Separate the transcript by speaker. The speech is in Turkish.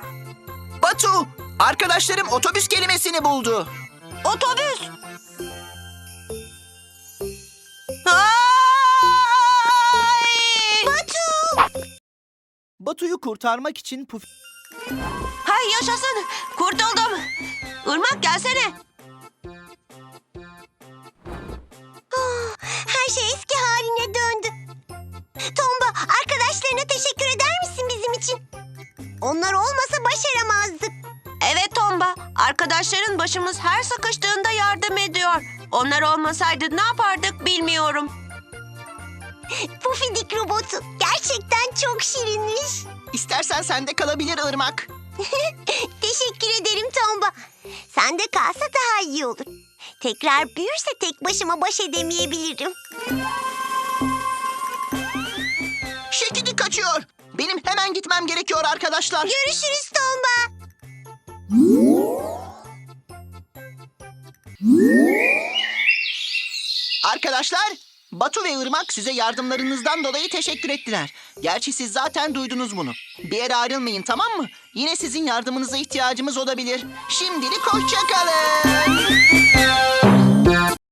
Speaker 1: Batu, arkadaşlarım otobüs kelimesini buldu.
Speaker 2: Otobüs.
Speaker 1: Batu'yu kurtarmak için
Speaker 2: Hay yaşasın. Kurtuldum. Irmak gelsene.
Speaker 3: Her şey eski haline döndü. Tomba, arkadaşlarına teşekkür eder misin bizim için? Onlar olmasa başaramazdık.
Speaker 2: Evet Tomba. Arkadaşların başımız her sıkıştığında yardım ediyor. Onlar olmasaydı ne yapardık bilmiyorum.
Speaker 3: Pufidik robotu gerçekten çok şirinmiş.
Speaker 1: istersen sende kalabilir Irmak.
Speaker 3: Teşekkür ederim Tomba. Sende kalsa daha iyi olur. Tekrar büyürse tek başıma baş edemeyebilirim.
Speaker 1: Şekidi kaçıyor. Benim hemen gitmem gerekiyor arkadaşlar.
Speaker 3: Görüşürüz Tomba.
Speaker 1: Arkadaşlar, Batu ve Irmak size yardımlarınızdan dolayı teşekkür ettiler. Gerçi siz zaten duydunuz bunu. Bir yere ayrılmayın, tamam mı? Yine sizin yardımınıza ihtiyacımız olabilir. Şimdilik hoşça kalın.